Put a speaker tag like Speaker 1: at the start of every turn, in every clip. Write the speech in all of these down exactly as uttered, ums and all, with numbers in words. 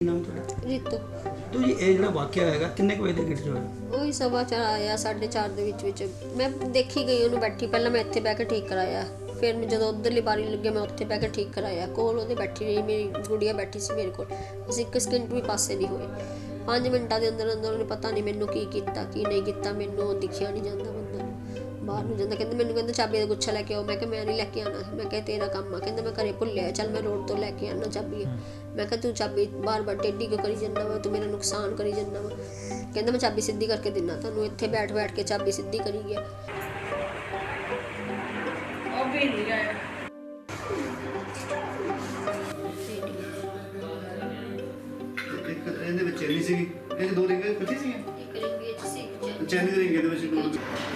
Speaker 1: ਨਾਮ ਤੁਹਾਡਾ?
Speaker 2: ਰੀਤੂ।
Speaker 1: ਤੋ ਜੀ ਇਹ ਜਿਹੜਾ ਵਾਕਿਆ ਹੈਗਾ ਕਿੰਨੇ ਕੁ ਵਜੇ ਦੇ ਗੇਟ 'ਚ ਹੋਇਆ?
Speaker 2: ਉਹੀ ਸਵਾ ਚਾਰ ਆਇਆ, ਸਾਢੇ ਚਾਰ ਦੇ ਵਿੱਚ ਵਿੱਚ ਮੈਂ ਦੇਖੀ ਗਈ ਉਹਨੂੰ ਬੈਠੀ। ਪਹਿਲਾਂ ਮੈਂ ਇੱਥੇ ਬਹਿ ਕੇ ਠੀਕ ਕਰਾਇਆ, ਫਿਰ ਮੈਂ ਜਦੋਂ ਉੱਧਰਲੀ ਬਾਰੀ ਲੱਗਿਆ ਮੈਂ ਉੱਥੇ ਬਹਿ ਕੇ ਠੀਕ ਕਰਾਇਆ। ਕੋਲ ਉਹਦੇ ਬੈਠੀ ਰਹੀ, ਮੇਰੀ ਗੁੜੀਆ ਬੈਠੀ ਸੀ ਮੇਰੇ ਕੋਲ। ਅਸੀਂ ਇੱਕ ਸਕਿੰਟ ਵੀ ਪਾਸੇ ਨਹੀਂ ਹੋਏ। ਪੰਜ ਮਿੰਟਾਂ ਦੇ ਅੰਦਰ ਅੰਦਰ ਉਹਨੇ ਪਤਾ ਨਹੀਂ ਮੈਨੂੰ ਕੀ ਕੀਤਾ ਕੀ ਨਹੀਂ ਕੀਤਾ। ਮੈਨੂੰ ਦਿਖਿਆ ਨਹੀਂ ਜਾਂਦਾ ਬੰਦਾ ਬਾਹਰ ਨੂੰ ਜਾਂਦਾ। ਕਹਿੰਦੇ ਮੈਨੂੰ ਕਹਿੰਦੇ ਚਾਬੀ ਦਾ ਗੁੱਛਾ ਲੈ ਕੇ ਆਓ। ਮੈਂ ਕਿਹਾ ਮੈਂ ਨਹੀਂ ਲੈ ਕੇ ਆਉਣਾ। ਮੈਂ ਕਿਹਾ ਤੇਰਾ ਕੰਮ ਆ। ਕਹਿੰਦਾ ਮੈਂ ਘਰੇ ਭੁੱਲਿਆ, ਚੱਲ ਮੈਂ ਰੋਡ ਤੋਂ ਲੈ ਕੇ ਆਉਣਾ ਚਾਬੀ। ਮੈਂ ਕਿਹਾ ਤੂੰ ਚਾਬੀ ਬਾਰ ਬਾਰ ਟੇਢੀ ਕਿਉਂ ਕਰੀ ਜਾਂਦਾ ਵਾ, ਤੂੰ ਮੇਰਾ ਨੁਕਸਾਨ ਕਰੀ ਜਾਂਦਾ ਵਾ। ਕਹਿੰਦਾ ਮੈਂ ਚਾਬੀ ਸਿੱਧੀ ਕਰਕੇ ਦਿੰਦਾ ਤੁਹਾਨੂੰ। ਇੱਥੇ ਬੈਠ ਬੈਠ ਕੇ ਚਾਬੀ ਸਿੱਧੀ ਕਰੀ ਗਿਆ।
Speaker 3: ਉਹ ਵੀ ਨਹੀਂ ਗਿਆ।
Speaker 4: ਇੱਕ ਇਹਦੇ ਵਿੱਚ ਚੈਨੀ ਸੀਗੀ, ਇਹ ਦੋ ਰਿੰਗ ਇਕੱਠੀ ਸੀਗੀਆਂ।
Speaker 2: ਇੱਕ ਰਿੰਗ ਵਿੱਚ ਸੀ, ਇੱਕ
Speaker 4: ਚੈਨੀ ਦੇ ਰਿੰਗ ਇਹਦੇ ਵਿੱਚ ਦੋ।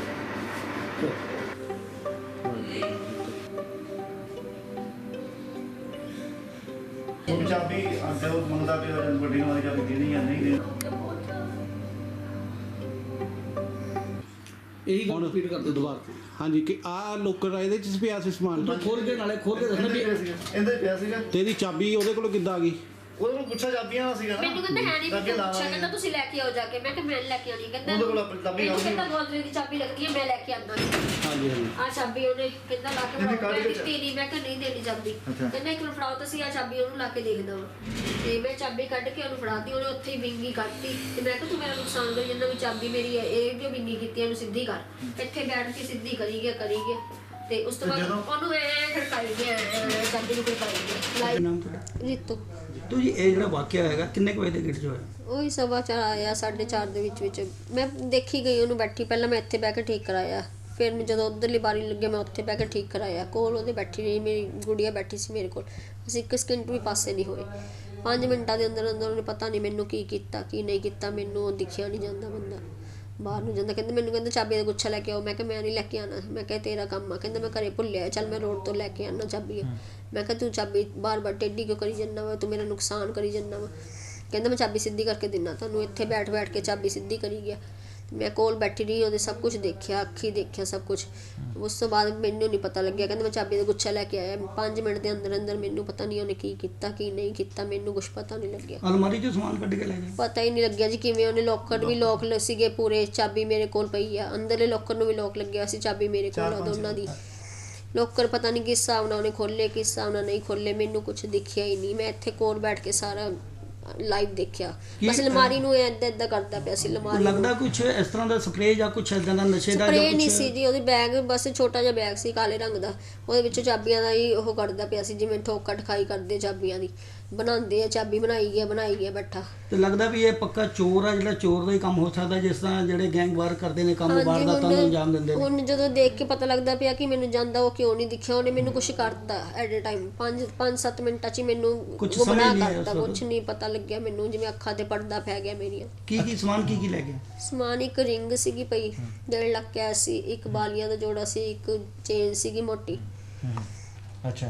Speaker 4: ਉਹ ਚਾਬੀ ਜਦੋਂ ਮੰਗਦਾ ਪਿਆ ਵੱਡੀ ਨੂੰ ਵਾਲੀ ਚਾਬੀ ਦੇਣੀ ਜਾਂ ਨਹੀਂ ਦੇਣੀ।
Speaker 1: ਇਹੀ ਗੱਲ ਰਿਪੀਟ ਕਰਦੇ ਦੁਬਾਰਾ।
Speaker 5: ਹਾਂਜੀ ਕਿ ਆ ਲੋਕਰ ਆ, ਇਹਦੇ ਚ ਪਿਆ ਸੀ ਸਮਾਨ।
Speaker 1: ਖੋਲ ਕੇ ਨਾਲੇ ਖੋਲ ਕੇ ਦੱਸਣਾ ਵੀ
Speaker 4: ਇਹਦੇ ਪਿਆ ਸੀਗਾ, ਇਹਦੇ ਪਿਆ ਸੀਗਾ।
Speaker 5: ਤੇ ਇਹਦੀ ਚਾਬੀ ਉਹਦੇ ਕੋਲੋਂ ਕਿੱਦਾਂ ਆ ਗਈ?
Speaker 4: ਉਹਦੇ ਕੋਲ ਗੁੱਛਾ ਚਾਬੀਆਂ ਵਾਲਾ ਸੀਗਾ ਨਾ।
Speaker 2: ਮੈਨੂੰ ਕਹਿੰਦਾ ਹੈ ਨਹੀਂ
Speaker 4: ਅੱਗੇ
Speaker 2: ਮੈਨੂੰ
Speaker 4: ਲਾ
Speaker 2: ਪੁੱਛਿਆ,
Speaker 4: ਲਾਂਗੇ।
Speaker 2: ਕਹਿੰਦਾ ਤੁਸੀਂ ਲੈ ਕੇ ਆਓ ਜਾ ਕੇ। ਮੈਂ ਕਿਹਾ ਮੈਂ ਲੈ ਕੇ ਆਉਣੀ। ਕਹਿੰਦਾ
Speaker 4: ਉਹਦੇ ਕੋਲ ਆਪਣੀ ਚਾਬੀ
Speaker 2: ਮੈਨੂੰ
Speaker 4: ਹੋਊਗੀ।
Speaker 2: ਕਹਿੰਦਾ ਗੋਦਰੇ ਦੀ ਚਾਬੀ ਲੱਗਦੀ ਹੈ, ਮੈਂ ਲੈ ਕੇ ਆਉਂਦਾ।
Speaker 5: ਹਾਂਜੀ ਹਾਂਜੀ
Speaker 2: ਆ ਚਾਬੀ ਉਹਨੇ ਕਹਿੰਦਾ ਲਾ ਕੇ
Speaker 4: ਇਹਦੀ
Speaker 2: ਫੜਾਓ।
Speaker 4: ਕਾਹਦੇ
Speaker 2: ਮੈਂ
Speaker 4: ਵਿੱਚ?
Speaker 2: ਦਿੱਤੀ ਨਹੀਂ, ਮੈਂ ਕਿਹਾ ਨਹੀਂ ਦੇਣੀ ਚਾਬੀ।
Speaker 4: ਅੱਛਾ।
Speaker 2: ਕਹਿੰਦਾ ਇੱਕ ਮਿੰਟ ਫੜਾਓ ਤੁਸੀਂ, ਆ ਚਾਬੀ ਉਹਨੂੰ ਲਾ ਕੇ ਦੇਖਦਾ ਵਾ। ਤੇ ਮੈਂ ਚਾਬੀ ਕੱਢ ਕੇ ਉਹਨੂੰ ਫੜਾਤੀ। ਉਹਨੇ ਉੱਥੇ ਹੀ ਵਿੰਗੀ ਕੱਢਤੀ। ਤੇ ਮੈਂ ਕਿਹਾ ਤੂੰ ਮੇਰਾ ਨੁਕਸਾਨ ਕਰੀ ਜਾਂਦਾ ਵੀ ਚਾਬੀ ਮੇਰੀ ਹੈ, ਇਹ ਕਿਉਂ ਵਿੰਗੀ ਕੀਤੀ, ਇਹਨੂੰ ਸਿੱਧੀ ਕਰ। ਇੱਥੇ ਬੈਠ ਕੇ ਸਿੱਧੀ ਕਰੀ ਗਿਆ ਕਰੀ ਗਿਆ ਤੇ ਉਸ ਤੋਂ ਬਾਅਦ ਉਹਨੂੰ ਐ ਖੜਕਾਈ ਗਿਆ, ਚਾਬੀ ਨੂੰ ਖੜਕਾਈ ਗਿਆ।
Speaker 1: ਨਾਮ ਤੁਹਾਡਾ?
Speaker 2: ਰੀਤੂ।
Speaker 1: ਤੋ ਜੀ ਇਹ ਜਿਹੜਾ ਵਾਕਿਆ ਹੈਗਾ ਕਿੰਨੇ ਕੁ ਵਜੇ ਦੇ ਗੇਟ 'ਚ ਹੋਇਆ?
Speaker 2: ਉਹੀ ਸਵਾ ਚਾਰ ਆਇਆ, ਸਾਢੇ ਚਾਰ ਦੇ ਵਿੱਚ ਵਿੱਚ ਮੈਂ ਦੇਖੀ ਗਈ ਉਹਨੂੰ ਬੈਠੀ। ਪਹਿਲਾਂ ਮੈਂ ਇੱਥੇ ਬਹਿ ਕੇ ਠੀਕ ਕਰਾਇਆ, ਫਿਰ ਮੈਂ ਜਦੋਂ ਉੱਧਰਲੀ ਬਾਰੀ ਲੱਗਿਆ ਮੈਂ ਉੱਥੇ ਬਹਿ ਕੇ ਠੀਕ ਕਰਾਇਆ। ਕੋਲ ਉਹਦੇ ਬੈਠੀ ਰਹੀ, ਮੇਰੀ ਗੁੜੀਆ ਬੈਠੀ ਸੀ ਮੇਰੇ ਕੋਲ। ਅਸੀਂ ਇੱਕ ਸਕਿੰਟ ਵੀ ਪਾਸੇ ਨਹੀਂ ਹੋਏ। ਪੰਜ ਮਿੰਟਾਂ ਦੇ ਅੰਦਰ ਅੰਦਰ ਉਹਨੇ ਪਤਾ ਨਹੀਂ ਮੈਨੂੰ ਕੀ ਕੀਤਾ ਕੀ ਨਹੀਂ ਕੀਤਾ। ਮੈਨੂੰ ਦਿਖਿਆ ਨਹੀਂ ਜਾਂਦਾ ਬੰਦਾ ਬਾਹਰ ਨੂੰ ਜਾਂਦਾ। ਕਹਿੰਦੇ ਮੈਨੂੰ ਕਹਿੰਦੇ ਚਾਬੀ ਦਾ ਗੁੱਛਾ ਲੈ ਕੇ ਆਓ। ਮੈਂ ਕਿਹਾ ਮੈਂ ਨਹੀਂ ਲੈ ਕੇ ਆਉਣਾ। ਮੈਂ ਕਿਹਾ ਤੇਰਾ ਕੰਮ ਆ। ਕਹਿੰਦਾ ਮੈਂ ਘਰੇ ਭੁੱਲਿਆ, ਚੱਲ ਮੈਂ ਰੋਡ ਤੋਂ ਲੈ ਕੇ ਆਉਣਾ ਚਾਬੀ। ਮੈਂ ਕਿਹਾ ਤੂੰ ਚਾਬੀ ਬਾਰ ਬਾਰ ਟੇਢੀ ਕਿਉਂ ਕਰੀ ਜਾਂਦਾ ਵਾ, ਤੂੰ ਮੇਰਾ ਨੁਕਸਾਨ ਕਰੀ ਜਾਂਦਾ ਵਾ। ਕਹਿੰਦਾ ਮੈਂ ਚਾਬੀ ਸਿੱਧੀ ਕਰਕੇ ਦਿੰਦਾ ਤੁਹਾਨੂੰ। ਇੱਥੇ ਬੈਠ ਬੈਠ ਕੇ ਚਾਬੀ ਸਿੱਧੀ ਕਰੀ ਗਿਆ। ਮੈਂ ਕੋਲ ਬੈਠੀ ਰਹੀ, ਉਹਦੇ ਸਭ ਕੁਝ ਦੇਖਿਆ, ਅੱਖੀ ਦੇਖਿਆ ਸਭ ਕੁਝ। ਉਸ ਤੋਂ ਬਾਅਦ ਮੈਨੂੰ ਨਹੀਂ ਪਤਾ ਲੱਗਿਆ। ਕਹਿੰਦਾ ਮੈਂ ਚਾਬੀ ਦਾ ਗੁੱਛਾ ਲੈ ਕੇ ਆਇਆ। ਪੰਜ ਮਿੰਟ ਦੇ ਅੰਦਰ ਅੰਦਰ ਮੈਨੂੰ ਪਤਾ ਨਹੀਂ ਉਹਨੇ ਕੀ ਕੀਤਾ ਕੀ ਨਹੀਂ ਕੀਤਾ। ਮੈਨੂੰ ਕੁਝ ਪਤਾ ਨਹੀਂ ਲੱਗਿਆ।
Speaker 1: ਅਲਮਾਰੀ 'ਚੋਂ ਸਮਾਨ ਕੱਢ ਕੇ ਲੈ ਗਏ?
Speaker 2: ਪਤਾ ਹੀ ਨਹੀਂ ਲੱਗਿਆ ਜੀ ਕਿਵੇਂ। ਉਹਨੇ ਲੋਕਰ ਵੀ ਲੋਕ ਸੀਗੇ ਪੂਰੇ, ਚਾਬੀ ਮੇਰੇ ਕੋਲ ਪਈ ਆ। ਅੰਦਰਲੇ ਲੋਕਰ ਨੂੰ ਵੀ ਲੋਕ ਲੱਗਿਆ ਸੀ, ਚਾਬੀ ਮੇਰੇ ਕੋਲ ਆ ਦੋਨਾਂ ਦੀ। ਲੋਕਰ ਪਤਾ ਨਹੀਂ ਕਿਸ ਹਿਸਾਬ ਨਾਲ ਉਹਨੇ ਖੋਲ੍ਹੇ ਕਿਸ ਹਿਸਾਬ ਨਾਲ ਨਹੀਂ ਖੋਲ੍ਹੇ। ਮੈਨੂੰ ਕੁਝ ਦਿਖਿਆ ਹੀ ਨਹੀਂ। ਮੈਂ ਇੱਥੇ ਕੋਲ ਬੈਠ ਕੇ ਸਾਰਾ ਲਾਈਵ ਦੇਖਿਆ। ਬਸ ਅਲਮਾਰੀ ਨੂੰ ਏਦਾਂ ਏਦਾਂ ਕਰਦਾ ਪਿਆ ਸੀ। ਅਲਮਾਰੀ
Speaker 1: ਲੱਗਦਾ ਕੁਝ ਇਸ ਤਰ੍ਹਾਂ ਦਾ ਸਪਰੇਅ ਜਾਂ ਕੁਝ ਇਦਾਂ ਦਾ ਨਸ਼ੇ ਦਾ
Speaker 2: ਸਪਰੇਅ ਨਹੀਂ ਸੀ ਜੀ। ਉਹਦੀ ਬੈਗ ਬਸ ਛੋਟਾ ਜਿਹਾ ਬੈਗ ਸੀ ਕਾਲੇ ਰੰਗ ਦਾ। ਉਹਦੇ ਵਿੱਚੋਂ ਚਾਬੀਆਂ ਦਾ ਹੀ ਉਹ ਕੱਢਦਾ ਪਿਆ ਸੀ, ਜਿਵੇਂ ਠੋਕਾ ਠਖਾਈ ਕਰਦੇ ਚਾਬੀਆਂ ਦੀ ਬਣਾਉਂਦੇ ਆ। ਚਾਬੀ ਬਣਾਈ ਗਿਆ ਬਣਾਈ ਗਿਆ ਬੈਠਾ। ਤੇ
Speaker 1: ਲੱਗਦਾ ਵੀ ਇਹ ਪੱਕਾ ਚੋਰ ਆ, ਜਿਹੜਾ ਚੋਰ ਦਾ ਹੀ ਕੰਮ ਹੋ ਸਕਦਾ, ਜਿਸ ਤਰ੍ਹਾਂ ਜਿਹੜੇ ਗੈਂਗ ਵਾਰ ਕਰਦੇ ਨੇ ਕੰਮ ਵਾਰਦਾਤਾਂ ਨੂੰ ਅੰਜਾਮ ਦਿੰਦੇ ਨੇ।
Speaker 2: ਹੁਣ ਜਦੋਂ ਦੇਖ ਕੇ ਪਤਾ ਲੱਗਦਾ ਪਿਆ ਕਿ ਮੈਨੂੰ ਜਾਂਦਾ ਉਹ ਕਿਉਂ ਨਹੀਂ ਦਿਖਿਆ। ਉਹਨੇ ਮੈਨੂੰ ਕੁਝ ਕਰਤਾ ਐਟ ਅ ਟਾਈਮ। ਪੰਜ ਪੰਜ ਸੱਤ ਮਿੰਟਾਂ 'ਚ ਹੀ ਮੈਨੂੰ ਗੁੰਮਰਾਹ ਕਰਤਾ। ਕੁਝ ਨਹੀਂ ਪਤਾ ਲੱਗਿਆ ਮੈਨੂੰ, ਜਿਵੇਂ ਅੱਖਾਂ ਤੇ ਪਰਦਾ ਪੈ ਗਿਆ ਮੇਰੀਆਂ।
Speaker 1: ਕੀ ਕੀ ਸਮਾਨ ਕੀ ਕੀ ਲੈ ਗਿਆ?
Speaker 2: ਸਮਾਨ ਇੱਕ ਰਿੰਗ ਸੀਗੀ ਪਈ, ਡੇਢ ਲੱਖ ਕੈਸ਼ ਸੀ, ਇੱਕ ਬਾਲੀਆਂ ਦਾ ਜੋੜਾ ਸੀ, ਇੱਕ ਚੇਨ ਸੀਗੀ ਮੋਟੀ।
Speaker 4: ਅੱਛਾ।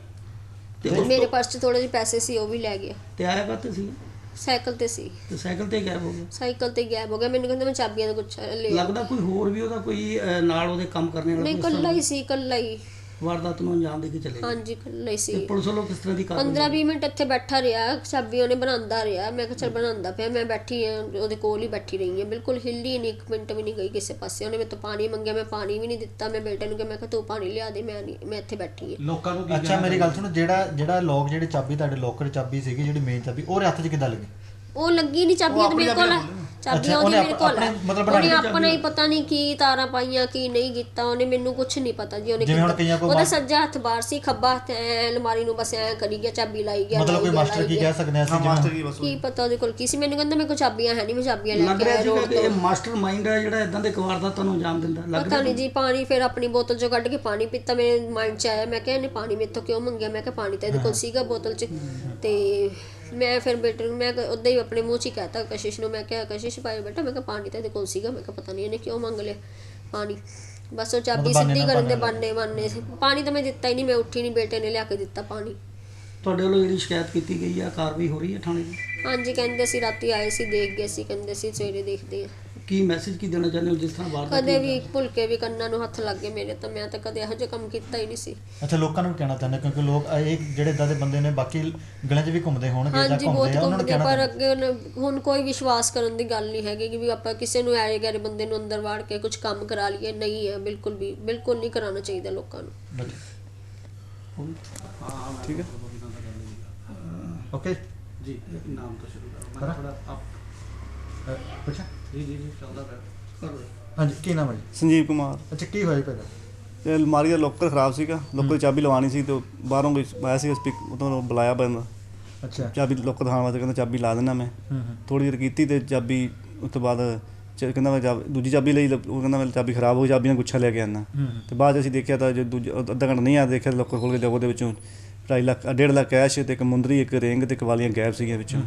Speaker 1: ਤੇ
Speaker 2: ਮੇਰੇ ਪਰਸ 'ਚ ਥੋੜੇ ਜਿਹੇ ਪੈਸੇ ਸੀ, ਉਹ ਵੀ ਲੈ ਗਿਆ।
Speaker 1: ਤੇ ਆਇਆ ਕਾਹਤੇ ਸੀ?
Speaker 2: ਸਾਈਕਲ ਤੇ ਸੀ।
Speaker 1: ਤੇ ਸਾਈਕਲ ਤੇ ਗਾਇਬ ਹੋ ਗਿਆ?
Speaker 2: ਸਾਈਕਲ ਤੇ ਗਾਇਬ ਹੋ ਗਿਆ। ਮੈਨੂੰ ਕਹਿੰਦਾ ਮੈਂ ਚਾਬੀਆਂ ਦਾ ਗੁੱਛਾ ਲੈ।
Speaker 1: ਲੱਗਦਾ ਕੋਈ ਹੋਰ ਵੀ ਉਹਦਾ ਕੋਈ ਅਹ, ਨਾਲ ਉਹਦੇ ਕੰਮ ਕਰਨੇ ਵਾਲਾ
Speaker 2: ਨਹੀਂ,
Speaker 1: ਕੋਈ
Speaker 2: ਇਕੱਲਾ ਹੀ ਸੀ, ਇਕੱਲਾ ਹੀ।
Speaker 1: ਵਾਰਦਾਤ ਨੂੰ ਅੰਜਾਮ ਦੇ ਕੇ ਚਲੇ ਗਏ?
Speaker 2: ਹਾਂਜੀ, ਇਕੱਲਾ ਹੀ ਸੀ।
Speaker 1: ਤੇ ਪੁਲਿਸ ਵੱਲੋਂ ਕਿਸ ਤਰ੍ਹਾਂ ਦੀ ਕਾਰਵਾਈ?
Speaker 2: ਪੰਦਰਾਂ ਵੀਹ ਮਿੰਟ ਇੱਥੇ ਬੈਠਾ ਰਿਹਾ, ਚਾਬੀ ਉਹਨੇ ਬਣਾਉਂਦਾ ਰਿਹਾ। ਮੈਂ ਕਿਹਾ ਚੱਲ ਬਣਾਉਂਦਾ ਪਿਆ। ਮੈਂ ਬੈਠੀ ਆ ਉਹਦੇ ਕੋਲ ਹੀ ਬੈਠੀ ਰਹੀ ਹਾਂ, ਬਿਲਕੁਲ ਹਿੱਲੀ ਨਹੀਂ, ਇੱਕ ਮਿੰਟ ਵੀ ਨਹੀਂ ਗਈ ਕਿਸੇ ਪਾਸੇ। ਉਹਨੇ ਮੇਰੇ ਤੋਂ ਪਾਣੀ ਮੰਗਿਆ, ਮੈਂ ਪਾਣੀ ਵੀ ਨਹੀਂ ਦਿੱਤਾ। ਮੈਂ ਬੇਟੇ ਨੂੰ ਕਿਹਾ, ਮੈਂ ਕਿਹਾ ਤੂੰ ਪਾਣੀ ਲਿਆ ਦੇ, ਮੈਂ ਨਹੀਂ, ਮੈਂ ਇੱਥੇ ਬੈਠੀ ਹਾਂ।
Speaker 6: ਲੋਕਾਂ ਨੂੰ ਅੱਛਾ ਮੇਰੀ ਗੱਲ ਸੁਣੋ, ਜਿਹੜਾ ਜਿਹੜਾ ਲੋਕ ਜਿਹੜੇ ਚਾਬੀ ਤੁਹਾਡੇ ਲੋਕਰ ਚਾਬੀ ਸੀਗੀ, ਜਿਹੜੀ ਮੇਨ ਚਾਬੀ ਉਹਦੇ ਹੱਥ 'ਚ ਕਿੱਦਾਂ ਲੱਗੀ?
Speaker 2: ਉਹ ਲੱਗੀ ਨਹੀਂ ਚਾਬੀਆਂ ਤੇ ਮੇਰੇ ਕੋਲ ਚਾਬੀਆਂ ਉਹਦੀ ਮੇਰੇ ਕੋਲ ਉਹਨੇ ਆਪਣਾ ਹੀ ਪਤਾ ਨਹੀਂ ਕੀ ਤਾਰਾਂ ਪਾਈਆਂ ਕੀ ਨਹੀਂ ਕੀਤਾ। ਉਹਨੇ ਮੈਨੂੰ ਕੁਝ ਨਹੀਂ ਪਤਾ ਜੀ। ਉਹਨੇ ਉਹਦਾ ਸੱਜਾ ਹੱਥ ਬਾਹਰ ਸੀ, ਖੱਬਾ ਹੱਥ ਐ ਅਲਮਾਰੀ ਨੂੰ ਬਸ ਐ ਕਰੀ ਗਿਆ, ਚਾਬੀ ਲਾਈ ਗਿਆ।
Speaker 6: ਮਤਲਬ ਕੋਈ ਮਾਸਟਰ ਕੀ ਕਹਿ ਸਕਦੇ ਅਸੀਂ?
Speaker 4: ਮਾਸਟਰ ਕੀ ਬਸ
Speaker 2: ਕੀ ਪਤਾ ਉਹਦੇ ਕੋਲ ਕੀ ਸੀ। ਮੈਨੂੰ ਕਹਿੰਦਾ ਮੇਰੇ ਕੋਲ ਚਾਬੀਆਂ ਹੈ ਨਹੀਂ, ਮੈਂ ਚਾਬੀਆਂ ਲੈ ਕੇ ਆਇਆ ਰੋਡ ਤੋਂ।
Speaker 1: ਇਹ ਮਾਸਟਰ ਮਾਈਂਡ ਹੈ ਜਿਹੜਾ ਇਦਾਂ ਦੇ ਵਾਰਦਾਤਾਂ ਨੂੰ ਅੰਜਾਮ ਦਿੰਦਾ।
Speaker 2: ਪਤਾ ਨਹੀਂ ਜੀ। ਪਾਣੀ ਫਿਰ ਆਪਣੀ ਬੋਤਲ 'ਚੋਂ ਕੱਢ ਕੇ ਪਾਣੀ ਪੀਤਾ। ਮੇਰੇ ਮਾਈਂਡ 'ਚ ਆਇਆ, ਮੈਂ ਕਿਹਾ ਇਹਨੇ ਪਾਣੀ ਮੇਰੇ ਤੋਂ ਕਿਉਂ ਮੰਗਿਆ। ਮੈਂ ਕਿਹਾ ਪਾਣੀ ਤਾਂ ਇਹਦੇ ਕੋਲ ਸੀਗਾ ਬੋਤਲ 'ਚ। ਤੇ ਮੈਂ ਫਿਰ ਬੇਟੇ ਨੂੰ ਮੈਂ ਉੱਦਾਂ ਹੀ ਆਪਣੇ ਮੂੰਹ 'ਚ ਹੀ ਕਹਿਤਾ ਕਸ਼ਿਸ਼ ਨੂੰ। ਮੈਂ ਕਿਹਾ ਕਸ਼ਿਸ਼ ਭਾਈ ਬੇਟਾ, ਮੈਂ ਕਿਹਾ ਪਾਣੀ ਤਾਂ ਇਹਦੇ ਕੋਲ ਸੀਗਾ। ਮੈਂ ਕਿਹਾ ਪਤਾ ਨਹੀਂ ਇਹਨੇ ਕਿਉਂ ਮੰਗ ਲਿਆ ਪਾਣੀ। ਬਸ ਉਹ ਚਾਬੀ ਸਿੱਧੀ ਕਰਨ ਦੇ ਬਾਨੇ ਬਾਨੇ। ਪਾਣੀ ਤਾਂ ਮੈਂ ਦਿੱਤਾ ਹੀ ਨਹੀਂ, ਮੈਂ ਉੱਠੀ ਨਹੀਂ, ਬੇਟੇ ਨੇ ਲਿਆ ਕੇ ਦਿੱਤਾ ਪਾਣੀ।
Speaker 1: ਤੁਹਾਡੇ ਵੱਲੋਂ ਜਿਹੜੀ ਸ਼ਿਕਾਇਤ ਕੀਤੀ ਗਈ ਆ, ਕਾਰਵਾਈ ਹੋ ਰਹੀ ਹੈ ਥਾਣੇ ਦੀ?
Speaker 2: ਹਾਂਜੀ, ਕਹਿੰਦੇ ਸੀ ਰਾਤੀ ਆਏ ਸੀ, ਦੇਖ ਗਏ ਸੀ, ਕਹਿੰਦੇ ਸੀ ਸਵੇਰੇ ਦੇਖਦੇ ਆ।
Speaker 1: ਕੀ ਮੈਸੇਜ ਕੀ ਦੇਣਾ ਚਾਹੁੰਦੇ ਹੋ ਜਿਸ ਤਰ੍ਹਾਂ ਵਾਰਦਾਤ
Speaker 2: ਕਦੇ ਵੀ ਭੁੱਲ ਕੇ ਵੀ ਕੰਨਾਂ ਨੂੰ ਹੱਥ ਲੱਗ ਗਏ ਮੇਰੇ, ਤਾਂ ਮੈਂ ਤਾਂ ਕਦੇ ਇਹੋ ਜਿਹਾ ਕੰਮ ਕੀਤਾ ਹੀ ਨਹੀਂ ਸੀ।
Speaker 6: ਅੱਛਾ, ਲੋਕਾਂ ਨੂੰ ਵੀ ਕਹਿਣਾ ਚਾਹੁੰਦੇ ਕਿਉਂਕਿ ਲੋਕ ਇਹ ਜਿਹੜੇ ਇਦਾਂ ਦੇ ਬੰਦੇ ਨੇ ਬਾਕੀ ਗਲੀਆਂ 'ਚ ਵੀ ਘੁੰਮਦੇ ਹੋਣਗੇ ਜਾਂ
Speaker 2: ਹਾਂਜੀ ਬਹੁਤ
Speaker 6: ਘੁੰਮਦੇ ਆ, ਉਹਨਾਂ ਨੂੰ
Speaker 2: ਘੁੰਮਦੇ,
Speaker 6: ਕਹਿਣਾ
Speaker 2: ਪਰ ਅੱਗੇ ਹੁਣ- ਹੁਣ ਕੋਈ ਵਿਸ਼ਵਾਸ ਕਰਨ ਦੀ ਗੱਲ ਨਹੀਂ ਹੈਗੀ ਕਿ ਵੀ ਆਪਾਂ ਕਿਸੇ ਨੂੰ ਆਏ ਗਏ ਬੰਦੇ ਨੂੰ ਅੰਦਰ ਵਾੜ ਕੇ ਕੁਝ ਕੰਮ ਕਰਾ ਲਈਏ। ਨਹੀਂ ਹੈ, ਬਿਲਕੁਲ ਵੀ ਬਿਲਕੁਲ ਨਹੀਂ ਕਰਾਉਣਾ ਚਾਹੀਦਾ ਲੋਕਾਂ ਨੂੰ।
Speaker 5: ਠੀਕ ਹੈ
Speaker 6: ਓਕੇ
Speaker 5: ਜੀ, ਨਾਮ ਤੋਂ ਸ਼ੁਰੂ ਕਰੋ।
Speaker 6: ਕਰਾਂ?
Speaker 5: ਥੋੜਾ ਆਪ
Speaker 6: ਪੁੱਛਾਂ?
Speaker 5: ਜੀ ਜੀ ਜੀ ਚੱਲਦਾ ਪਿਆ।
Speaker 6: ਹਾਂਜੀ, ਕੀ ਨਾਮ ਹੈ ਜੀ?
Speaker 7: ਸੰਜੀਵ ਕੁਮਾਰ।
Speaker 6: ਅੱਛਾ, ਕੀ ਹੋਇਆ ਪਹਿਲਾਂ?
Speaker 7: ਇਹ ਅਲਮਾਰੀ ਦਾ ਲੋਕਰ ਖਰਾਬ ਸੀਗਾ, ਲੋਕਰ ਦੀ ਚਾਬੀ ਲਵਾਉਣੀ ਸੀ ਤੇ ਬਾਹਰੋਂ ਕੋਈ ਆਇਆ ਸੀ ਸਪੀਕ ਉਦੋਂ ਬੁਲਾਇਆ ਬੰਦਾ,
Speaker 6: ਅੱਛਾ।
Speaker 7: ਚਾਬੀ ਲੋਕਰ ਦਿਖਾਉਣ ਵਾਸਤੇ ਕਹਿੰਦਾ ਚਾਬੀ ਲਾ ਦੇਣਾ ਮੈਂ।
Speaker 6: ਹੂੰ ਹੂੰ
Speaker 7: ਥੋੜ੍ਹੀ ਦੇਰ ਕੀਤੀ ਤੇ ਚਾਬੀ ਉਸ ਤੋਂ ਬਾਅਦ ਚ- ਕਹਿੰਦਾ ਮੈਂ ਚਾਬੀ ਦੂਜੀ ਚਾਬੀ ਲਈ, ਉਹ ਕਹਿੰਦਾ ਮੈਂ ਚਾਬੀ ਖਰਾਬ ਹੋ ਗਈ, ਚਾਬੀ ਨਾਲ ਗੁੱਛਾ ਲੈ ਕੇ ਆਉਣਾ।
Speaker 6: ਹੂੰ
Speaker 7: ਤੇ ਬਾਅਦ 'ਚ ਅਸੀਂ ਦੇਖਿਆ ਤਾਂ ਜੋ ਦੂਜਾ ਅੱਧਾ ਘੰਟਾ ਨਹੀਂ ਆ ਦੇਖਿਆ, ਲੋਕਰ ਖੋਲ੍ਹ ਕੇ ਉਹਦੇ ਵਿੱਚੋਂ ਢਾਈ ਲੱਖ ਡੇਢ ਲੱਖ ਕੈਸ਼ ਤੇ ਇੱਕ ਮੁੰਦਰੀ, ਇੱਕ ਰਿੰਗ ਤੇ ਇੱਕ ਵਾਲੀਆਂ ਗਾਇਬ ਸੀਗੀਆਂ ਵਿੱਚੋਂ।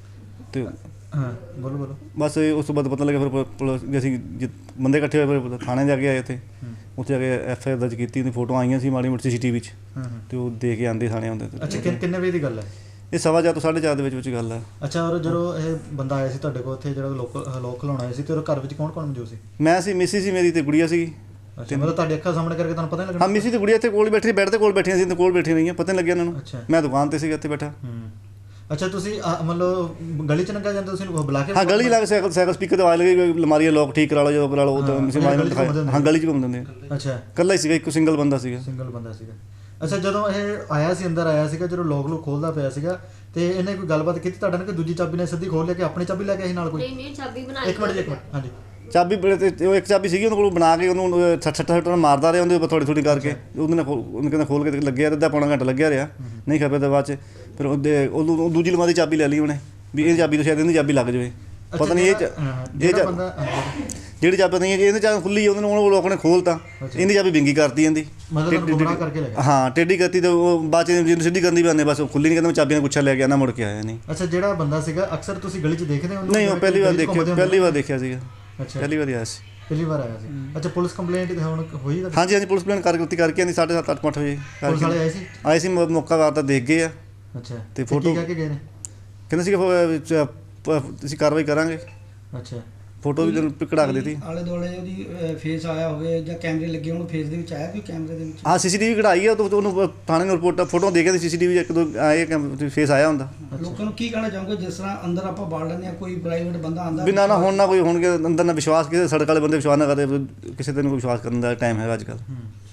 Speaker 7: ਤੇ
Speaker 6: ਹਾਂ, ਬੋਲੋ ਬੋਲੋ।
Speaker 7: ਬਸ ਇਹ ਉਸ ਤੋਂ ਬਾਅਦ ਪਤਾ ਲੱਗਿਆ ਫਿਰ ਪੁ- ਪੁਲਿਸ ਵੀ ਅਸੀਂ ਜਿ- ਬੰਦੇ ਇਕੱਠੇ ਹੋਏ ਫਿਰ ਥਾਣੇ ਜਾ ਕੇ ਆਏ ਉੱਥੇ। ਉੱਥੇ ਜਾ ਕੇ ਐਫ ਆਈ ਆਰ ਦਰਜ ਕੀਤੀ, ਉਹਦੀ ਫੋਟੋ ਆਈਆਂ ਸੀ ਮਾੜੀ ਮੋਟੀ ਸੀ ਟੀ ਵੀ 'ਚ,
Speaker 6: ਹੂੰ ਹੂੰ
Speaker 7: ਤੇ ਉਹ ਦੇ ਕੇ ਆਉਂਦੇ ਥਾਣੇ ਆਉਂਦੇ।
Speaker 6: ਅੱਛਾ, ਕਿ- ਕਿੰਨੇ ਵਜੇ ਦੀ ਗੱਲ ਹੈ?
Speaker 7: ਇਹ ਸਵਾ ਚਾਰ ਤੋਂ ਸਾਢੇ ਚਾਰ ਦੇ ਵਿੱਚ ਵਿੱਚ ਗੱਲ ਹੈ।
Speaker 6: ਅੱਛਾ, ਔਰ ਜਦੋਂ ਇਹ ਬੰਦਾ ਆਇਆ ਸੀ ਤੁਹਾਡੇ ਕੋਲ ਉੱਥੇ ਜਿਹੜਾ ਲੋਕ ਲੋਕ ਖਲਾਉਣ ਆਇਆ ਸੀ ਤੇ ਉਹਦੇ ਘਰ ਵਿੱਚ ਕੌਣ ਕੌਣ ਮੌਜੂਦ ਸੀ?
Speaker 7: ਮੈਂ ਸੀ, ਮਿਸੀ ਸੀ ਮੇਰੀ ਤੇ ਗੁੜੀਆ ਸੀਗੀ।
Speaker 6: ਅੱਛਾ, ਮਤਲਬ ਤੁਹਾਡੀ ਅੱਖਾਂ ਸਾਹਮਣੇ ਕਰਕੇ ਤੁਹਾਨੂੰ ਪਤਾ ਨਹੀਂ ਲੱਗਣਾ?
Speaker 7: ਹਾਂ, ਮਿਸੀ ਤੇ ਗੁੜੀਆ ਇੱਥੇ ਕੋਲ ਬੈਠੀ, ਬੈੱਡ ਤੇ ਕੋਲ ਬੈਠੀਆਂ ਸੀ ਤੇ ਕੋਲ ਬੈਠੀਆਂ ਰਹੀਆਂ, ਪਤਾ ਨਹੀਂ ਲੱਗਿਆ ਇਹਨਾਂ ਨੂੰ।
Speaker 6: ਅੱਛਾ।
Speaker 7: ਮੈਂ ਦੁਕਾਨ ਤੇ ਸੀਗਾ ਇੱਥੇ ਬੈਠਾ।
Speaker 6: ਹੂੰ। ਅੱਛਾ, ਤੁਸੀਂ ਅ, ਮਤਲਬ ਗਲੀ 'ਚ ਲੰਘਿਆ ਜਾਂਦੇ ਤੁਸੀਂ ਉਹ ਬੁਲਾ ਕੇ?
Speaker 7: ਹਾਂ, ਗਲੀ ਲੱਗ ਸਾਈਕਲ ਸਾਈਕਲ ਸਪੀਕਰ ਤੇ ਆਵਾਜ਼ ਲੱਗੀ, ਅਲਮਾਰੀ ਦਾ ਲੋਕ ਠੀਕ ਕਰਾ ਲਓ, ਜਦੋਂ ਕਰਾ ਲਓ ਉਦੋਂ
Speaker 6: ਹਾਂ,
Speaker 7: ਮਿਸੀ
Speaker 6: ਗਲੀ 'ਚ
Speaker 7: ਮਾਰੀ
Speaker 6: ਘੁੰਮਦੇ ਹੁੰਦੇ
Speaker 7: ਹਾਂ, ਗਲੀ 'ਚ ਘੁੰਮਦੇ ਹੁੰਦੇ।
Speaker 6: ਅੱਛਾ,
Speaker 7: ਇਕੱਲਾ ਹੀ ਸੀਗਾ, ਇੱਕ ਸਿੰਗਲ ਬੰਦਾ ਸੀਗਾ।
Speaker 6: ਸਿੰਗਲ ਬੰਦਾ ਸੀਗਾ। ਅੱਛਾ, ਜਦੋਂ ਇਹ ਆਇਆ ਸੀ ਅੰਦਰ ਆਇਆ ਸੀਗਾ, ਜਦੋਂ ਲੋਕ ਲੋਕ ਖੋਲਦਾ ਪਿਆ ਸੀਗਾ ਤੇ ਇਹਨੇ ਕੋਈ ਗੱਲਬਾਤ ਕੀਤੀ ਤੁਹਾਡੇ ਨਾਲ ਕਿ ਦੂਜੀ ਚਾਬੀ ਨੇ ਸਿੱਧੀ ਖੋਲ ਲਿਆ ਕਿ ਆਪਣੀ ਚਾਬੀ ਲੈ ਕੇ ਆਈ ਨਾਲ ਕੋਈ?
Speaker 2: ਨਹੀਂ ਨਹੀਂ ਚਾਬੀ ਬਣਾ
Speaker 6: ਇੱਕ ਮਿੰਟ ਜੀ, ਇੱਕ ਮਿੰਟ। ਹਾਂਜੀ।
Speaker 7: ਚਾਬੀ ਬੜੇ ਤੇ ਉਹ ਇੱਕ ਚਾਬੀ ਸੀਗੀ ਉਹਦੇ ਕੋਲ ਬਣਾ ਕੇ ਉਹਨੂੰ ਛੱਟ ਛੱਟ ਛੱਟ ਮਾਰਦਾ ਰਿਹਾ ਉਹਦੇ ਉੱਪਰ ਥੋੜੀ ਥੋੜੀ ਕਰਕੇ, ਉਹਦੇ ਨਾਲ ਖੋਲ- ਉਹਨੇ ਕਹਿੰਦਾ ਖੋਲ ਕੇ ਲੱਗਿਆ ਅੱਧਾ ਪੌਣਾ ਘੰਟਾ ਲੱਗਿਆ ਰਿਹਾ, ਨਹੀਂ ਖਪਿਆ ਤਾਂ ਬਾਅਦ 'ਚ ਫਿਰ ਉਹਦੇ ਉਹਨੂੰ ਉਹ ਦੂਜੀ ਲਮਾਰੀ ਚਾਬੀ ਲੈ ਲਈ ਉਹਨੇ ਵੀ ਇਹ ਚਾਬੀ ਤੋਂ ਸ਼ਾਇਦ ਇਹਦੀ ਚਾਬੀ ਲੱਗ ਜਾਵੇ। ਪਤਾ ਨਹੀਂ ਇਹ ਚ-
Speaker 6: ਹਾਂ,
Speaker 7: ਇਹ
Speaker 6: ਜਿਹੜਾ
Speaker 7: ਚ-
Speaker 6: ਬੰਦਾ ਅੰਦਰ-
Speaker 7: ਜਿਹੜੀ ਚਾਬੀ ਨਹੀਂ ਹੈ ਇਹਨੇ ਚਾਬੀ ਖੁੱਲੀ ਉਹਨਾਂ ਨੂੰ ਉਹ ਲੋਕ ਨੇ ਖੋਲਤਾ, ਇਹਦੀ ਚਾਬੀ ਵਿੰਗੀ ਕਰਤੀ ਇਹਦੀ,
Speaker 6: ਮਤਲਬ ਤੁਹਾਨੂੰ ਗੁੰਮਰਾਹ ਕਰਕੇ ਲੈ ਗਿਆ?
Speaker 7: ਹਾਂ ਟੇਢੀ ਕਰਤੀ ਤੇ ਉਹ ਬਾਅਦ 'ਚ ਜਿਹਨੂੰ ਸਿੱਧੀ ਕਰਨੀ ਪੈਂਦੀ, ਬਸ ਉਹ ਖੁੱਲੀ ਨਹੀਂ, ਕਹਿੰਦਾ ਮੈਂ ਚਾਬੀਆਂ ਗੁੱਛਾ ਲੈ ਕੇ ਆਣਾ, ਮੁੜ ਕੇ ਆਇਆ ਨਹੀਂ।
Speaker 6: ਅੱਛਾ, ਜਿਹੜਾ ਬੰਦਾ ਸੀਗਾ ਅਕਸਰ ਤੁਸੀਂ ਗਲੀ 'ਚ ਦੇਖਦੇ ਹੋ ਉਹਨੂੰ?
Speaker 7: ਨਹੀਂ, ਉਹ ਪਹਿਲੀ ਵਾਰ
Speaker 6: ਗਲੀ 'ਚ
Speaker 7: ਦੇਖਿਆ,
Speaker 6: ਘੁੰਮਦੇ ਹੁੰਦੇ
Speaker 7: ਪਹਿਲੀ ਵਾਰ ਦੇਖਿਆ ਸੀਗਾ,
Speaker 6: ਅੱਛਾ,
Speaker 7: ਪਹਿਲੀ ਵਾਰ ਆਇਆ ਸੀ।
Speaker 6: ਪਹਿਲੀ ਵਾਰ ਆਇਆ ਸੀ। ਅੱਛਾ, ਪੁਲਿਸ ਕੰਪਲੇਂਟ ਹੁਣ ਹੋਈ ਤੁਹਾਡੀ?
Speaker 7: ਹਾਂਜੀ ਹਾਂਜੀ, ਪੁਲਿਸ ਪਲਾਨ ਕਰਕੇ ਕਰਕੇ ਆਂਦੀ ਸਾਢੇ ਸੱਤ ਅੱਠ ਅੱਠ ਵਜੇ
Speaker 6: ਪੁਲਿਸ ਵਾਲੇ ਆਏ ਸੀ?
Speaker 7: ਆਏ ਸੀ, ਮੌ- ਮੌਕਾ ਵਾਰ ਤਾਂ ਦੇਖ ਗਏ ਆ
Speaker 6: ਅੱਛਾ,
Speaker 7: ਤੇ
Speaker 6: ਕੀ
Speaker 7: ਫੋਟੋ-
Speaker 6: ਕਹਿ ਕੇ ਗਏ ਨੇ?
Speaker 7: ਕਹਿੰਦੇ ਸੀ ਅਸੀਂ ਕਾਰਵਾਈ ਕਰਾਂਗੇ,
Speaker 6: ਅੱਛਾ।
Speaker 7: ਫੋਟੋ ਵੀ ਤੈਨੂੰ ਕਢਾ ਕੇ ਦਿੱਤੀ।
Speaker 1: ਆਲੇ ਦੁਆਲੇ ਉਹਦੀ ਫੇਸ ਆਇਆ ਹੋਵੇ ਜਾਂ ਕੈਮਰੇ ਲੱਗੇ ਹੋਣ ਫੇਸ ਦੇ ਵਿੱਚ ਆਇਆ ਕੋਈ ਕੈਮਰੇ ਦੇ ਵਿੱਚ?
Speaker 7: ਹਾਂ, ਸੀਸੀਟੀਵੀ ਕਢਾਈ ਆ, ਤਾਂ ਉਹਨੂੰ ਥਾਣੇ ਨੂੰ ਰਿਪੋਰਟ ਫੋਟੋ ਦੇ ਕੇ ਸੀਸੀਟੀਵੀ ਇੱਕ ਦੋ ਆਏ ਫੇਸ ਆਇਆ ਹੁੰਦਾ।
Speaker 1: ਲੋਕਾਂ ਨੂੰ ਕੀ ਕਹਿਣਾ ਚਾਹੋਗੇ ਜਿਸ ਤਰ੍ਹਾਂ ਅੰਦਰ ਆਪਾਂ ਬਾੜ ਲੈਂਦੇ ਆ, ਕੋਈ ਪ੍ਰਾਈਵੇਟ ਬੰਦਾ ਆਂਦਾ
Speaker 7: ਬਿਨਾਂ ਨਾ ਹੁਣ ਨਾ ਕੋਈ ਹੋਣਗੇ ਅੰਦਰ ਨਾ ਵਿਸ਼ਵਾਸ, ਕਿਸੇ ਸੜਕ ਵਾਲੇ ਬੰਦੇ ਵਿਸ਼ਵਾਸ ਨਾ ਕਰਦੇ, ਕਿਸੇ ਤੇ ਨੂੰ ਕੋਈ ਵਿਸ਼ਵਾਸ ਕਰਨ ਦਾ ਟਾਈਮ ਹੈਗਾ ਅੱਜ ਕੱਲ੍ਹ।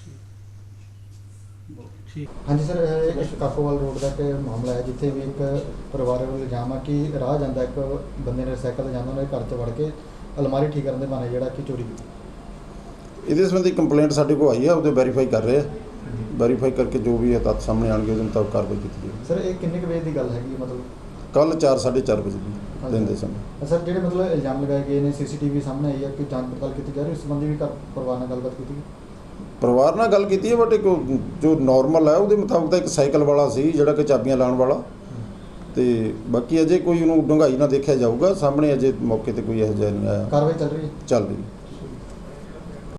Speaker 6: ਹਾਂਜੀ ਸਰ, ਇਹ ਇੱਕ ਕਾਕੋਵਾਲ ਰੋਡ ਦਾ ਇੱਕ ਮਾਮਲਾ ਹੈ ਜਿੱਥੇ ਵੀ ਇੱਕ ਪਰਿਵਾਰ ਵੱਲੋਂ ਇਲਜ਼ਾਮ ਆ ਕਿ ਰਾਹ ਜਾਂਦਾ ਇੱਕ ਬੰਦੇ ਨੇ ਸਾਈਕਲ ਤੇ ਜਾਂਦਾ, ਉਹਨਾਂ ਦੇ ਘਰ 'ਚ ਵੜ ਕੇ ਅਲਮਾਰੀ ਠੀਕ ਕਰਨ ਦੇ ਬਹਾਨੇ ਜਿਹੜਾ ਕਿ ਚੋਰੀ ਕੀਤੀ।
Speaker 8: ਇਹਦੇ ਸੰਬੰਧੀ ਕੰਪਲੇਂਟ ਸਾਡੇ ਕੋਲ ਆਈ ਹੈ, ਉਹਦੇ ਵੈਰੀਫਾਈ ਕਰ ਰਹੇ ਆ, ਵੈਰੀਫਾਈ ਕਰਕੇ ਜੋ ਵੀ ਹੈ ਤੱਥ ਸਾਹਮਣੇ ਆਉਣਗੇ ਉਹਦੇ ਮੁਤਾਬਕ ਕਾਰਵਾਈ ਕੀਤੀ ਜਾਵੇਗੀ।
Speaker 6: ਸਰ, ਇਹ ਕਿੰਨੇ ਕੁ ਵਜੇ ਦੀ ਗੱਲ ਹੈਗੀ ਮਤਲਬ?
Speaker 8: ਕੱਲ੍ਹ ਚਾਰ ਸਾਢੇ ਚਾਰ ਵਜੇ ਦੀ ਦਿਨ ਦੇ ਸਮੇਂ।
Speaker 6: ਸਰ, ਜਿਹੜੇ ਮਤਲਬ ਇਲਜ਼ਾਮ ਲਗਾਏ ਗਏ ਨੇ ਸੀਸੀਟੀਵੀ ਸਾਹਮਣੇ ਆਈ ਹੈ ਕਿ ਜਾਂਚ ਪੜਤਾਲ ਕੀਤੀ ਜਾ ਰਹੀ, ਉਸ ਸੰਬੰਧੀ ਵੀ ਘਰ ਪਰਿਵਾਰ ਨਾਲ ਗੱਲਬਾਤ ਕੀਤੀ ਗਈ?
Speaker 8: ਪਰਿਵਾਰ ਨਾਲ ਗੱਲ ਕੀਤੀ ਹੈ, ਬਟ ਇੱਕ ਜੋ ਨਾਰਮਲ ਹੈ ਉਹਦੇ ਮੁਤਾਬਕ ਤਾਂ ਇੱਕ ਸਾਈਕਲ ਵਾਲਾ ਸੀ ਜਿਹੜਾ ਕਿ ਚਾਬੀਆਂ ਲਾਉਣ ਵਾਲਾ, ਤੇ ਬਾਕੀ ਅਜੇ ਕੋਈ ਉਹਨੂੰ ਡੂੰਘਾਈ ਨਾਲ ਦੇਖਿਆ ਜਾਊਗਾ, ਸਾਹਮਣੇ ਅਜੇ ਮੌਕੇ ਤੇ ਕੋਈ ਇਹੋ ਜਿਹਾ ਨਹੀਂ ਆਇਆ।
Speaker 6: ਕਾਰਵਾਈ ਚੱਲ ਰਹੀ ਹੈ?
Speaker 8: ਚੱਲ ਰਹੀ ਹੈ।